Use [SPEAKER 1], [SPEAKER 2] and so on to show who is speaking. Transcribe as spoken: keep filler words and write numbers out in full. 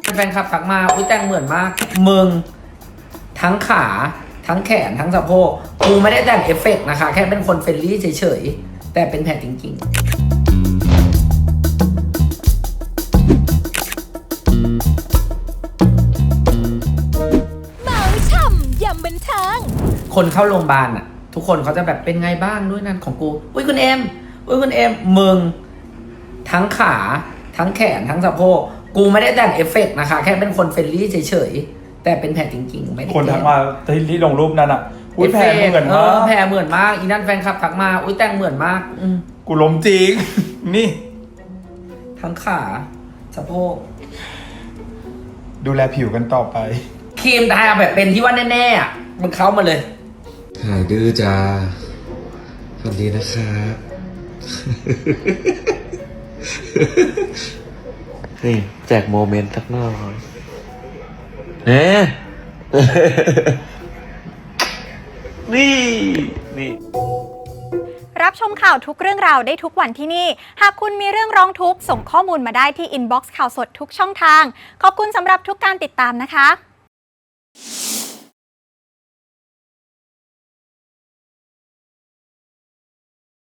[SPEAKER 1] แฟนคลับทักมาอุ้ยแต่งเหมือนมากมึงทั้งขาทั้งแขนทั้งสะโพกกูไม่ได้แต่งเอฟเฟกต์นะคะแค่เป็นคนเฟรนลี่เฉยๆแต่เป็นแผลจริงๆ
[SPEAKER 2] เมาช่ำยำบันเทิง
[SPEAKER 1] คนเข้าโรงพยาบาลอ่ะทุกคนเขาจะแบบเป็นไงบ้างด้วยนั่นของกูอุ้ยคุณเอ็มอุ้ยคุณเอ็มมึงทั้งขาทั้งแขนทั้งสะโพกกูไม่ได้แต่งเอฟเฟกต์นะคะแค่เป็นคนเฟรนลี่เฉยๆแต่เป็นแผลจริงๆไม่ได้
[SPEAKER 3] คนทักมาที่ลงรูปนั้นอ่ะอุ้ยแผลเหมือน
[SPEAKER 1] เอ
[SPEAKER 3] มา
[SPEAKER 1] อก แผลเหมือนมากอีนั่นแฟนคลับทักมาอุ้ยแต่งเหมือนมากอืม
[SPEAKER 3] กูล้มจริง นี่
[SPEAKER 1] ทั้งขาสะโพก
[SPEAKER 3] ดูแลผิวกันต่อไป
[SPEAKER 1] ครีมทาแบบเป็นที่ว่าแน่ๆอ่ะมันเข้ามาเลย
[SPEAKER 4] หายดื้อจ้าสวัสดีนะครับ นี่แจกโมเมนต์สักหน่อยเน่นี่ นี่
[SPEAKER 2] รับชมข่าวทุกเรื่องราวได้ทุกวันที่นี่หากคุณมีเรื่องร้องทุกข์ส่งข้อมูลมาได้ที่อินบ็อกซ์ข่าวสดทุกช่องทางขอบคุณสำหรับทุกการติดตามนะคะ